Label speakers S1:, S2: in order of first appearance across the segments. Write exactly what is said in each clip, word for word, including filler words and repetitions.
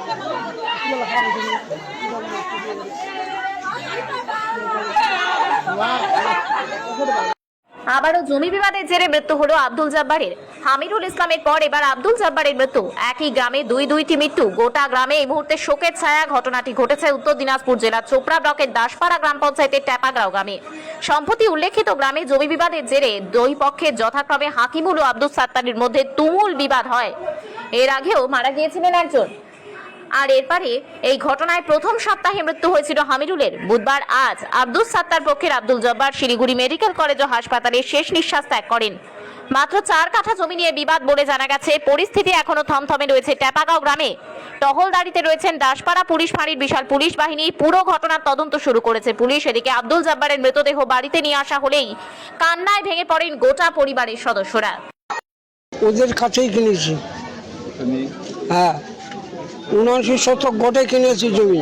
S1: আবারও জমি বিবাদের জেরে মৃত্যু হলো আব্দুল জব্বারের। হামিরুল ইসলামের পর এবার আব্দুল জব্বারের মৃত্যু। একই গ্রামে দুই দুইটি মৃত্যু। গোটা গ্রামে এই মুহূর্তে শোকের ছায়া। ঘটনাটি ঘটেছে উত্তর দিনাজপুর জেলার চোপড়া ব্লকের দাসপাড়া গ্রাম পঞ্চায়েতের ট্যাপাগাঁও গ্রামে। সম্প্রতি উল্লেখিত গ্রামে জমি বিবাদের জেরে দুই পক্ষের যথাক্রমে হাকিমুল ও আব্দুল সাত্তারের মধ্যে তুমুল বিবাদ হয়। এর আগেও মারা গিয়েছিলেন একজন। আর এরপরে এই ঘটনায় প্রথম সপ্তাহে মৃত্যু হয়েছিল হামিরুলের। বুধবার আজ আব্দুল সাত্তার পক্ষের আব্দুল জব্বার শিলিগুড়ি মেডিকেল কলেজ ও হাসপাতালে শেষ নিঃশ্বাস ত্যাগ করেন। মাত্র চার কাঠা জমি নিয়ে বিবাদ বলে জানা গেছে। পরিস্থিতি এখনো থমথমে রয়েছে ট্যাপাগাঁও গ্রামে। টহলদারিতে রয়েছেন দাসপাড়া পুলিশ ফাঁড়ির বিশাল পুলিশ বাহিনী। পুরো ঘটনার তদন্ত শুরু করেছে পুলিশ। এদিকে আব্দুল জব্বারের মৃতদেহ বাড়িতে নিয়ে আসা হলেই কান্নায় ভেঙে পড়েন গোটা পরিবারের সদস্যরা।
S2: ওদের কাছেই কিনেছি, হ্যাঁ, উনআশি শতক গোটে কিনেছি জমি।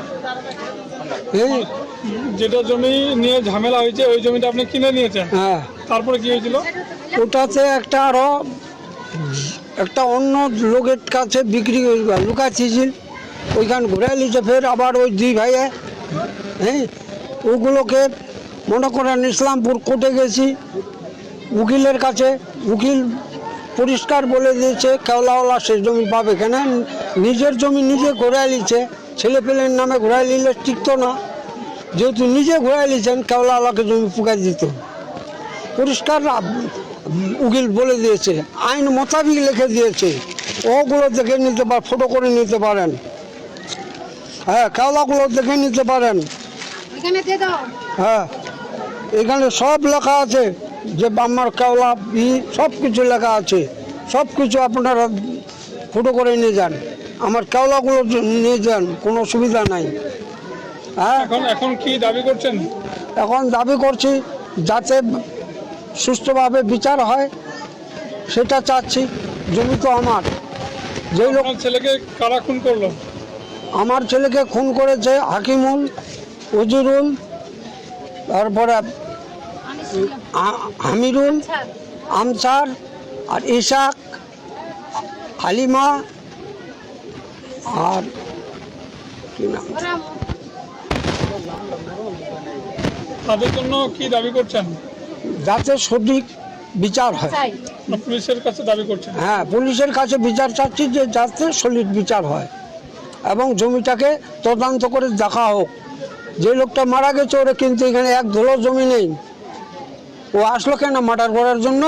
S3: যেটা জমি নিয়ে ঝামেলা হয়েছে ওই জমিটা আপনি কিনে নিয়েছেন,
S2: হ্যাঁ।
S3: তারপরে কি হয়েছিল?
S2: ওটাতে একটা আরো একটা অন্য লোকের কাছে বিক্রি লুকাচ্ছিল, ওইখান ঘুরে নিয়েছে। ফের আবার ওই দুই ভাইয়ে, হ্যাঁ, ওগুলোকে মনে করেন ইসলামপুর কোর্টে গেছি উকিলের কাছে। উকিল পরিষ্কার বলে দিয়েছে কেওলাওয়ালা সে জমি পাবে কেন, নিজের জমি নিজে ঘুরাই নিচ্ছে। ছেলে পেলের নামে ঘুরাই নিলে টিকতো না, যেহেতু নিজে ঘুরাই নিচ্ছেন কেওলাওয়ালাকে জমি পুকাই দিত। পরিষ্কার উকিল বলে দিয়েছে, আইন মোতাবিক লিখে দিয়েছে। ওগুলো দেখে নিতে পারেন, ফটো করে নিতে পারেন, হ্যাঁ, কেওলাগুলো দেখে নিতে পারেন, হ্যাঁ, এখানে সব লেখা আছে যে আমার কেওলা ই সব কিছু লেখা আছে। সব কিছু আপনারা ফটো করে নিয়ে যান, আমার কেওলাগুলো নিয়ে যান, কোনো অসুবিধা নাই। হ্যাঁ,
S3: এখন এখন কি দাবি করছেন?
S2: এখন দাবি করছি যাতে সুষ্ঠুভাবে বিচার হয়, সেটা চাচ্ছি। জমি তো আমার। যে লোক
S3: ছেলেকে কারা খুন করলো?
S2: আমার ছেলেকে খুন করেছে হাকিমুল, উজিরুল, তারপরে হামিরুল, আমসার আর ইসাক, হালিমা আর কি নাম,
S3: তাদের জন্য কি দাবি করছেন?
S2: যাতে সঠিক বিচার হয়।
S3: পুলিশের কাছে দাবি করছেন?
S2: হ্যাঁ, পুলিশের কাছে বিচার চাচ্ছি যে যাতে সঠিক বিচার হয় এবং জমিটাকে তদন্ত করে দেখা হোক। যে লোকটা মারা গেছে ওরা কিন্তু এখানে এক ধুলো জমি নেই। ও আসলো কেন মার্ডার করার জন্য?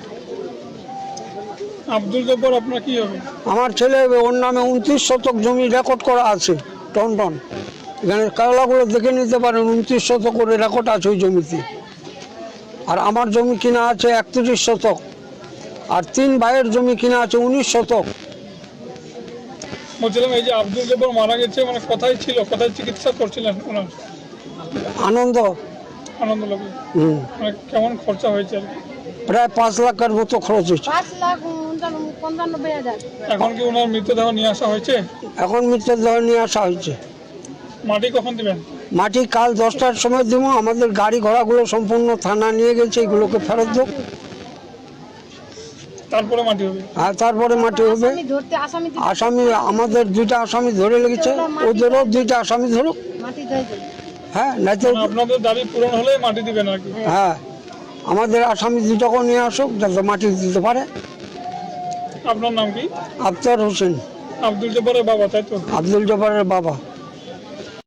S3: আব্দুল জব্বার আপনার কি হবে?
S2: আমার ছেলে, ওর নামে উনত্রিশ শতক জমি রেকর্ড করা আছে, টন টন। এখানে কেওলাগুলো দেখে নিতে পারেন, উনত্রিশ শতক করে রেকর্ড আছে ওই জমিতে। আর আমার জমি কিনা আছে একত্রিশ শতক, আর তিন ভাইয়ের জমি কিনা আছে উনিশ শতক।
S3: বলছিলাম এই যে আব্দুল জব্বার মারা গেছে, মানে কোথায় ছিল, কোথায় চিকিৎসা করছিলেন ওনার?
S2: আনন্দ
S3: আনন্দ লোকে।
S2: হুম,
S3: মানে কেমন খরচা হয়েছে?
S2: প্রায় পাঁচ লাখের মতো খরচ হয়েছে।
S3: এখন কি ওনার মৃতদেহ নিয়ে আসা হয়েছে?
S2: এখন মৃতদেহ নিয়ে আসা হয়েছে।
S3: মাটি কখন দিবেন?
S2: মাটি কাল দশটার সময় দেবো। আমাদের গাড়ি ঘোড়াগুলো সম্পূর্ণ থানা নিয়ে গেছে, এগুলোকে ফেরত দেবো,
S3: তারপরে মাটি হবে।
S2: আর তারপরে মাটি হবে। আসামি আমাদের দুইটা আসামি ধরে লেগেছে, ওদেরও দুইটা আসামি ধরুক। হ্যাঁ, না তো
S3: আপনাদের দাবি পূরণ হলে মাটি দিবেন আর কি।
S2: হ্যাঁ, আমাদের আসামি দুটাকেও নিয়ে আসুক যাতে মাটি দিতে পারে।
S3: আপনার নাম কি?
S2: আফতার হোসেন,
S3: আব্দুল জব্বারের বাবা, তাই তো?
S2: আব্দুল জব্বারের বাবা।